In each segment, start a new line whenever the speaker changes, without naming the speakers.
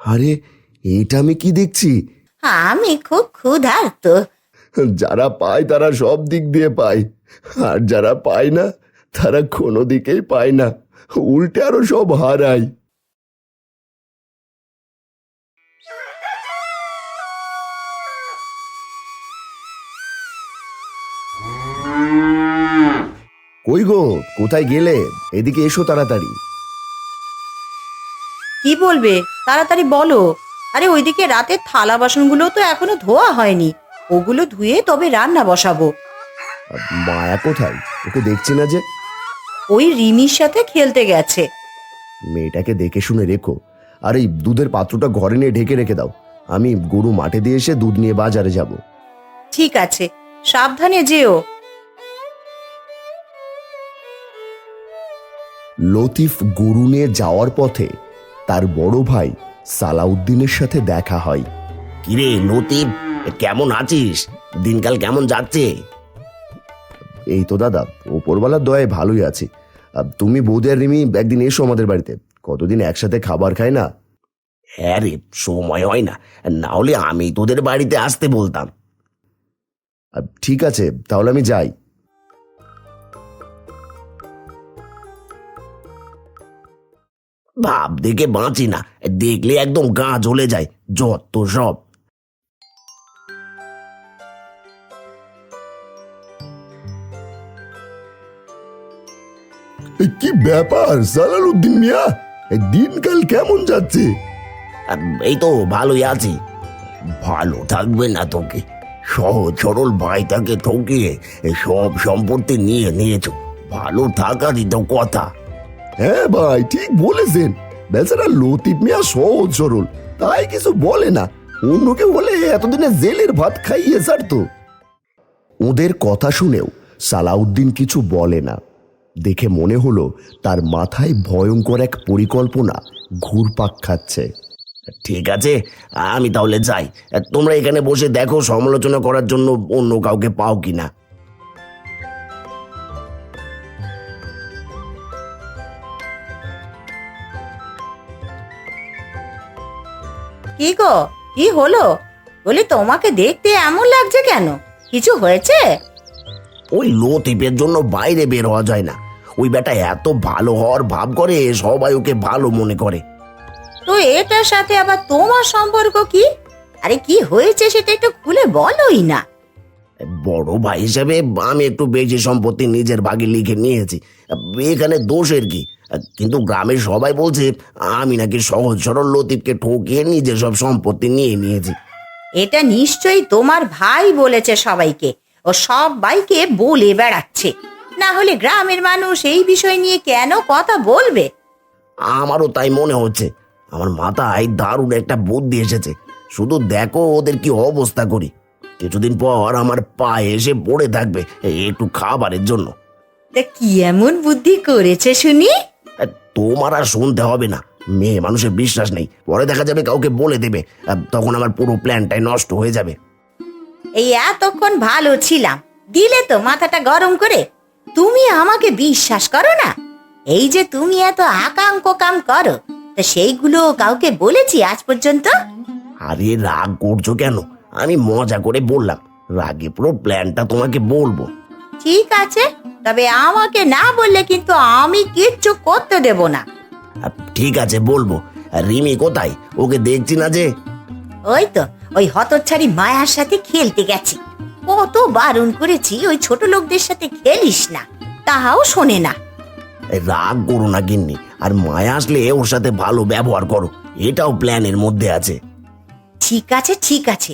আরে, এটা আমি কি দেখছি?
আমি খুব ক্ষুধার্ত।
যারা পায় তারা সব দিক দিয়ে পায়, আর যারা পায় না তারা কোনো দিকেই পায় না, উল্টে আরো সব হারায়। কই গো, কোথায় গেলে? এদিকে এসো তাড়াতাড়ি।
কি বলবে, তাড়াতাড়ি বলো। আরে ওইদিকে রাতের থালা বাসনগুলো তো এখনো ধোয়া হয়নি, ওগুলো ধুয়ে তবে রান্না বসাবো।
মায়া কোথায়? ওকে দেখছি না যে।
ওই রিমির সাথে খেলতে গেছে।
মেয়েটাকে দেখে শুনে রেখো। আর এই দুধের পাত্রটা ঘরে নিয়ে ঢেকে রেখে দাও। আমি গরু মাঠে দিয়ে এসে দুধ নিয়ে বাজারে যাব।
ঠিক আছে, সাবধানে যেও।
লতিফ গরু নিয়ে যাওয়ার পথে তার বড় ভাই সালাউদ্দিনের সাথে দেখা হয়।
কিরে লতিফ, কেমন আছিস? দিনকাল কেমন যাচ্ছে?
এই তো দাদা, ওপরওয়ালার দয়ায় ভালোই আছি। তুমি বৌদি আর রিমি একদিন এসো আমাদের বাড়িতে, কতদিন একসাথে খাবার খাই না।
হ্যাঁ রে, সময় হয় না, না হলে আমি তোদের বাড়িতে আসতে বলতাম।
ঠিক আছে, তাহলে আমি যাই।
ভাব দেখে বাঁচি না, দেখলে একদম গা জ্বলে যায়, যত সব।
কি ব্যাপার সালাউদ্দিন মিয়া, দিনকাল কেমন যাচ্ছে?
এই তো ভালোই আছি। ভালো থাকবে না তোকে? সহজ সরল ভাইটাকে ঠকিয়ে সব সম্পত্তি নিয়ে নিয়েছো, ভালো থাকারই তো কথা।
হ্যাঁ ভাই, ঠিক বলেছেন। বেচারা লতিফ মিয়া সহজ সরল, তাই কিছু বলে না। অন্য কেউ হলে এতদিনে জেলের ভাত খাইয়ে ছাড়তো। ওদের কথা শুনেও সালাউদ্দিন কিছু বলে না। দেখে মনে হলো তার মাথায় ভয়ঙ্কর এক পরিকল্পনা ঘুরপাক খাচ্ছে।
ঠিক আছে, আমি তাহলে যাই। তোমরা এখানে বসে দেখো সমালোচনা করার জন্য অন্য কাউকে পাও কিনা।
কি গো, কি হলো? বলি তোমাকে দেখতে এমন লাগছে কেন? কিছু হয়েছে?
ওই লতিফের জন্য বাইরে বের হওয়া যায় না। ওই বেটা এত ভালো হওয়ার ভাব করে, সবাই ওকে ভালো মনে করে।
তো এটার সাথে আবার তোমার সম্পর্ক কি? আরে কি হয়েছে সেটা একটু খুলে বলোই না।
বড় ভাই হিসেবে আমি একটু বেশি সম্পত্তি নিজের ভাগে লিখে নিয়েছি, এখানে দোষের কি? কিন্তু গ্রামের সবাই বলছে আমি নাকি সহজ সরল লতিফকে ঠকিয়ে নিজের সব সম্পত্তি নিয়ে নিয়েছি।
এটা নিশ্চয়ই তোমার ভাই বলেছে সবাইকে, ও সবাইকে বলে বেড়াচ্ছে। না হলে গ্রামের মানুষ এই বিষয় নিয়ে কেন কথা বলবে?
আমারও তাই মনে হচ্ছে। আমার মাথায় দারুণ একটা বুদ্ধি এসেছে, শুধু দেখো ওদের কি অবস্থা করি। কিছুদিন পর আমার পায়ে এসে পড়ে থাকবে একটু খাবারের জন্য।
তা কি এমন বুদ্ধি করেছে শুনি?
তোমার আর শুনতে হবে না, মেয়ে মানুষের বিশ্বাস নেই, পরে দেখা যাবে কাউকে বলে দেবে, তখন আমার পুরো প্ল্যানটাই নষ্ট হয়ে যাবে।
এই এতক্ষণ ভালো ছিলাম, দিলে তো মাথাটা গরম করে। তুমি আমাকে বিশ্বাস করো না? এই যে তুমি এত আকাঙ্ক কাম করো, তা সেইগুলো কাউকে বলেছি আজ পর্যন্ত?
আরে রাগ করছো কেন? আমি মজা করে বললাম, রাগে পুরো প্ল্যানটা তোমাকে বলবো।
ঠিক আছে, তবে আমাকে না বললে কিন্তু আমি কিচ্ছু করতে দেব না।
ঠিক আছে বলবো। রিমি কোথায়? ওকে দেখছি না যে।
ওই তো ওই হতচ্ছাড়ি মায়ার সাথে খেলতে গেছে। কত বারণ করেছি ওই ছোট লোকদের সাথে খেলিস না, তাহাও শোনে না।
রাগ করো না গিন্নি, আর মায়া আসলে ওর সাথে ভালো ব্যবহার করো, এটাও প্ল্যানের মধ্যে আছে।
ঠিক আছে ঠিক আছে।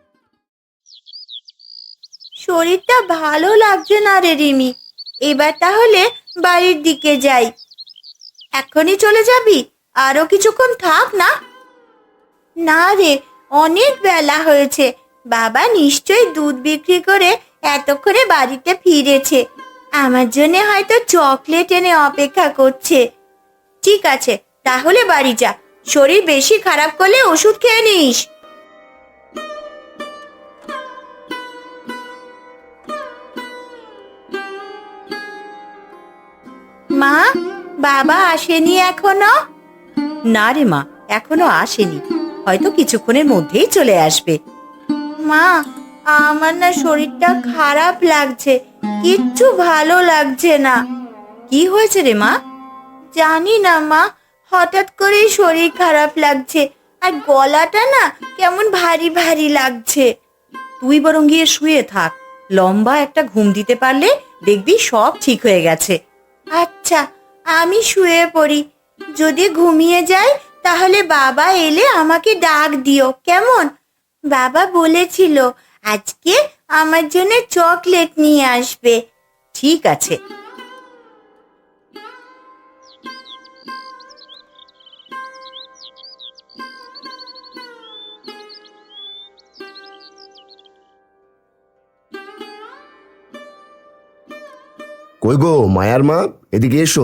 শরীরটা ভালো লাগছে না রে রিমি, এবার তাহলে বাড়ির দিকে যাই। এখনই চলে যাবি? আরো কিছুক্ষণ থাক না। না রে, অনেক বেলা হয়েছে। বাবা নিশ্চয়ই দুধ বিক্রি করে এতক্ষণে বাড়িতে ফিরেছে। আমার জন্য হয়তো চকলেট এনে অপেক্ষা করছে। ঠিক আছে, তাহলে বাড়ি যা। শরীর বেশি খারাপ করলে ওষুধ খেয়ে নিস। মা, বাবা আসেনি এখনো? না রে মা, এখনো আসেনি, হয়তো কিছুক্ষণের মধ্যেই চলে আসবে। মা, আমার না শরীরটা খারাপ লাগছে, কিচ্ছু ভালো লাগছে না। কি হয়েছে রে মা? জানি না মা, হঠাৎ করেই শরীর খারাপ লাগছে, আর গলাটা না কেমন ভারী ভারী লাগছে। তুই বরং গিয়ে শুয়ে থাক, লম্বা একটা ঘুম দিতে পারলে দেখবি সব ঠিক হয়ে গেছে। আচ্ছা, আমি শুয়ে পড়ি। যদি ঘুমিয়ে যাই তাহলে বাবা এলে আমাকে ডাক দিও, কেমন? বাবা বলেছিল আজকে আমার জন্য চকলেট নিয়ে আসবে। ঠিক আছে।
কই গো মায়ার মা, এদিকে এসো।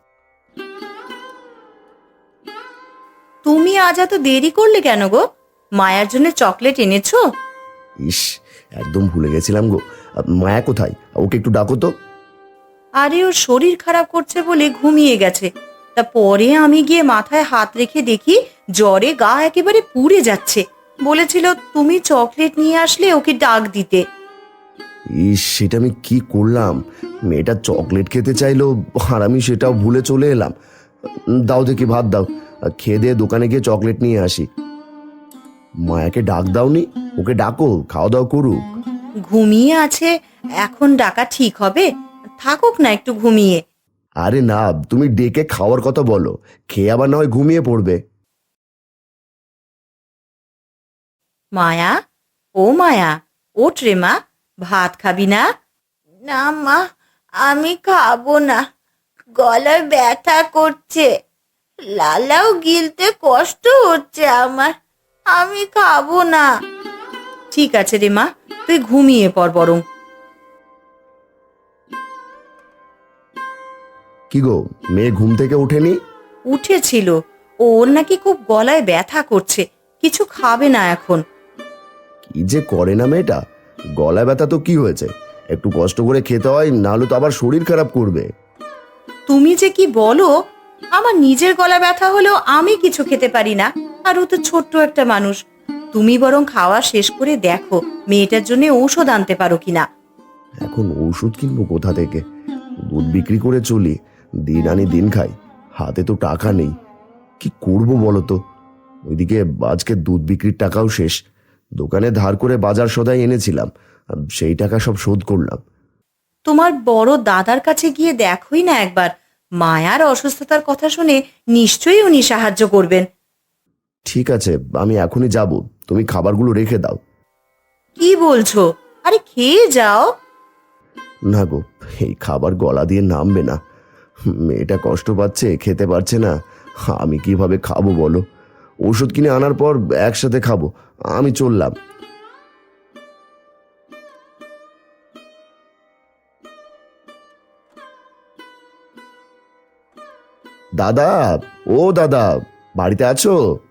তুমি আজ এত দেরি করলে কেন গো? মায়ার জন্য চকলেট এনেছো?
ইস, একদম ভুলে গেছিলাম গো। মায়া কোথায়? ওকে একটু ডাকো তো।
আরে ওর শরীর খারাপ করছে বলে ঘুমিয়ে গেছে। তা পরে আমি গিয়ে মাথায় হাত রেখে দেখি জ্বরে গা একেবারে পুড়ে যাচ্ছে। বলেছিল তুমি চকলেট নিয়ে আসলে ওকে ডাক দিতে।
ইস, সেটা আমি কি করলাম? মেয়েটা চকলেট খেতে চাইলো আর আমি সেটাও ভুলে চলে এলাম। দাও দেখি, ভাত দাও, খেয়ে দিয়ে দোকানে গিয়ে চকলেট নিয়ে আসি। মায়াকে ডাক দাওনি? ওকে ডাকো, খাওয়া দাওয়া করুক।
ঘুমিয়ে আছে, এখন ডাকা ঠিক হবে? থাকুক না একটু ঘুমিয়ে।
আরে না, তুমি ডেকে খাওয়ার কথা বলো, খেয়ে আবার না হয় ঘুমিয়ে পড়বে।
মায়া, ও মায়া, ওঠ রে মা, ভাত খাবি না? না মা, আমি খাবো না, গলায় ব্যথা করছে, লালাও গিলতে কষ্ট হচ্ছে আমার, আমি খাবো না। ঠিক আছে রে মা, তুই ঘুমিয়ে পড় বরং।
কি গো, মেয়ে ঘুম থেকে ওঠেনি?
উঠেছিল, ওর নাকি খুব গলায় ব্যথা করছে, কিছু খাবে না এখন।
কি যে করে না মেয়েটা। গলায় ব্যথা তো কি হয়েছে, একটু কষ্ট করে খেতে হয়, নাহলে তো আবার শরীর খারাপ করবে।
তুমি যে কি বলো, আমার নিজের গলা ব্যথা হলেও আমি কিছু খেতে পারি না, আর ও তো ছোট্ট একটা মানুষ। তুমি বরং খাওয়া শেষ করে দেখো মেয়েটার জন্য ঔষধ আনতে পারো কিনা।
এখন ওষুধ কিনবো কোথা থেকে? দুধ বিক্রি করে চলি, দিন আনি দিন খাই, হাতে তো টাকা নেই। কি করব বলো তো? ওইদিকে আজকে দুধ বিক্রির টাকাও শেষ। দোকানে ধার করে বাজার সদাই এনেছিলাম, সেই টাকা সব শোধ করলাম।
তোমার বড় দাদার কাছে গিয়ে দেখোই না একবার, মায়ার অসুস্থতার কথা শুনে নিশ্চয়ই উনি সাহায্য করবেন।
ঠিক আছে, আমি এখনই যাব, তুমি খাবারগুলো রেখে দাও।
কি বলছো? আরে খেয়ে যাও।
না গো, এই খাবার গলা দিয়ে নামবে না। মেয়েটা কষ্ট পাচ্ছে, খেতে পারছে না, আমি কিভাবে খাবো বলো? ওষুধ কিনে আনার পর একসাথে খাবো, আমি চললাম। দাদা, ও দাদা, বাড়িতে আছো?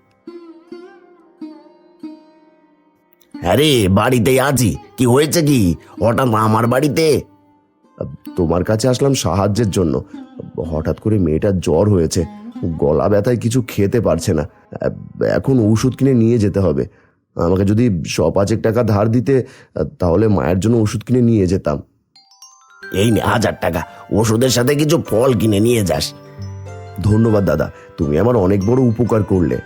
আরে বাড়িতেই আছি। কি হয়েছে কি? হঠাৎ আমার বাড়িতে?
তোমার কাছে আসলাম সাহায্যের জন্য। হঠাৎ করে মেয়েটার জ্বর হয়েছে, গলা ব্যথায় কিছু খেতে পারছে না। এখন ওষুধ কিনে নিয়ে যেতে হবে। আমাকে যদি 100-5 টাকা ধার দিতে, তাহলে মায়ের জন্য ওষুধ কিনে নিয়ে যেতাম।
এই নে 1000 টাকা, ওষুধের সাথে কিছু ফল কিনে নিয়ে যাস।
ধন্যবাদ দাদা, তুমি আমার অনেক বড় উপকার করলে।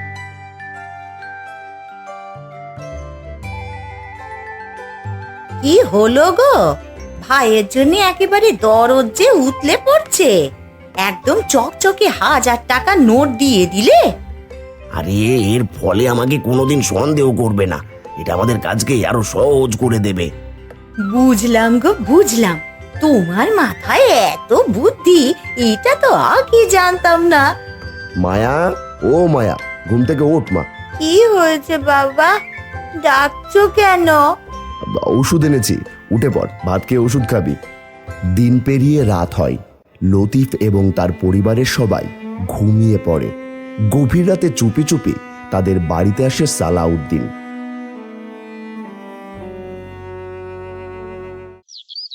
কি হলো গো? ভাইয়ের জন্য একেবারে দরদ যে উতলে পড়ছে, একদম চকচকে 1000 টাকা নোট দিয়ে দিলে।
আরে এর ফলে আমাকে কোনোদিন সন্দেহ করবে না, এটা আমাদের কাজকে আরো সহজ করে দেবে।
বুঝলাম গো, বুঝলাম, তোমার মাথায় এত বুদ্ধি, এটা তো আগে জানতাম না।
মায়া, ও মায়া, ঘুম থেকে ওঠ মা।
কি হয়েছে বাবা, ডাকছো কেন?
ওষুধ এনেছি, উঠে পড়, ভাত খেয়ে ওষুধ খাবি। দিন পেরিয়ে রাত হয়। লতিফ এবং তার পরিবারের সবাই ঘুমিয়ে পড়ে। গভীর রাতে চুপি চুপি তাদের বাড়িতে আসে সালাউদ্দিন।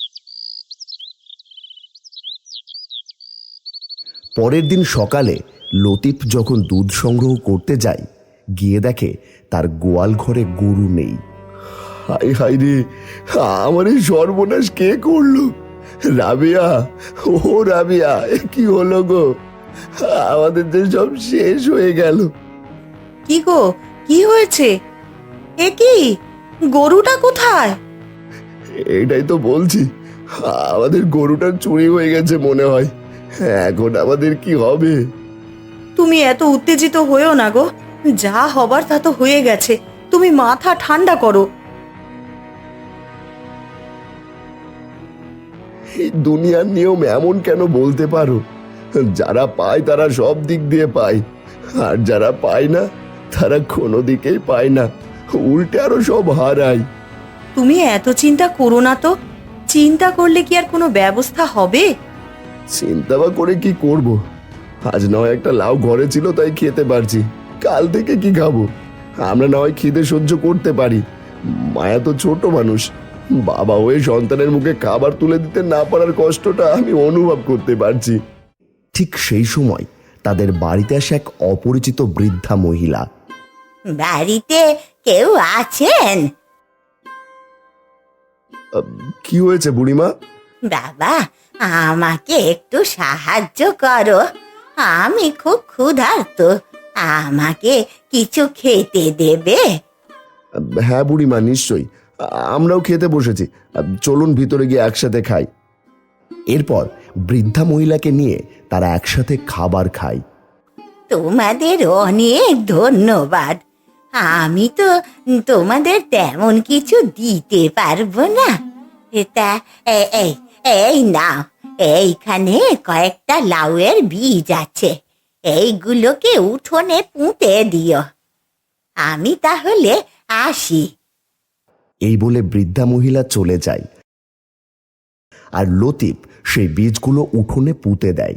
পরের দিন সকালে লতিফ যখন দুধ সংগ্রহ করতে যায়, গিয়ে দেখে তার গোয়াল ঘরে গরু নেই। হাই হাই রে, আমার এই সর্বনাশ কে করলো? রাবিয়া, ও রাবিয়া, এ কি হলো গো? আমাদের যে সব শেষ হয়ে গেল।
কি গো, কি হয়েছে? এ কি, গরুটা কোথায়?
এটাই তো বলছি, আমাদের গরুটা চুরি হয়ে গেছে মনে হয়। এখন আমাদের কি হবে?
তুমি এত উত্তেজিত হয়েও না গো, যা হবার তা তো হয়ে গেছে। তুমি মাথা ঠান্ডা করো।
এই দুনিয়ার নিয়ম এমন কেন বলতে পারো? যারা পায় তারা সব দিক দিয়ে পায়, আর যারা পায় না তারা কোনো দিকেই পায় না, উল্টে আরো সব হারায়।
তুমি এত চিন্তা করো না তো। চিন্তা করলে কি আর কোনো ব্যবস্থা হবে?
চিন্তা বা করে কি করব? আজ নয় একটা লাউ ঘরে ছিল তাই খেতে পারছি, কাল থেকে কি খাবো? আমরা না হয় খিদে সহ্য করতে পারি, মায়া তো ছোট মানুষ। বাবা হয়ে সন্তানের মুখে খাবার তুলে দিতে না পারার কষ্টটা আমি অনুভব করতে পারছি। ঠিক সেই সময় তাদের বাড়িতে আসে এক অপরিচিত বৃদ্ধা মহিলা।
বাড়িতে কেউ আছেন?
কি হয়েছে বুড়িমা?
বাবা, আমাকে একটু সাহায্য করো। আমি খুব ক্ষুধার্ত, আমাকে কিছু খেতে দেবে?
হ্যাঁ বুড়িমা, নিশ্চয়ই, আমরাও খেতে বসেছি, চলুন ভিতরে গিয়ে একসাথে খাই। এরপর বৃদ্ধা মহিলাকে নিয়ে তারা একসাথে খাবার খায়।
তোমাদের অনেক ধন্যবাদ। আমি তো তোমাদের তেমন কিছু দিতে পারবো না। তা এই এই নাও, এইখানে কয়েকটা লাউয়ের বীজ আছে, এইগুলোকে উঠোনে পুঁতে দিও। আমি তাহলে আসি।
এই বলে বৃদ্ধা মহিলা চলে যায়, আর লতিফ সেই বীজগুলো উঠোনে পুঁতে দেয়।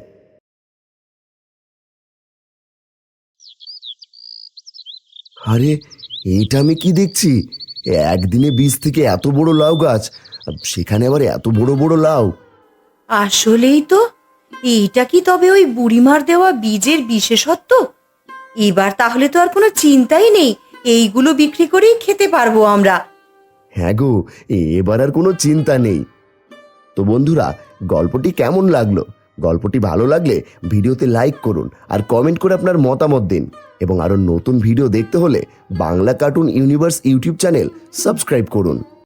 আরে, এটা আমি কি দেখছি? একদিনে বীজ থেকে এত বড় লাউ গাছ, সেখানে আবার এত বড় বড় লাউ।
আসলেই তো, এইটা কি তবে ওই বুড়িমার দেওয়া বীজের বিশেষত্ব? এবার তাহলে তো আর কোনো চিন্তাই নেই, এইগুলো বিক্রি করেই খেতে পারবো আমরা।
হ্যাঁ গো, এবার আর কোনো চিন্তা নেই। তো বন্ধুরা, গল্পটি কেমন লাগলো? গল্পটি ভালো লাগলে ভিডিওতে লাইক করুন আর কমেন্ট করে আপনার মতামত দিন, এবং আরো নতুন ভিডিও দেখতে হলে Bangla cartoon universe YouTube channel subscribe করুন।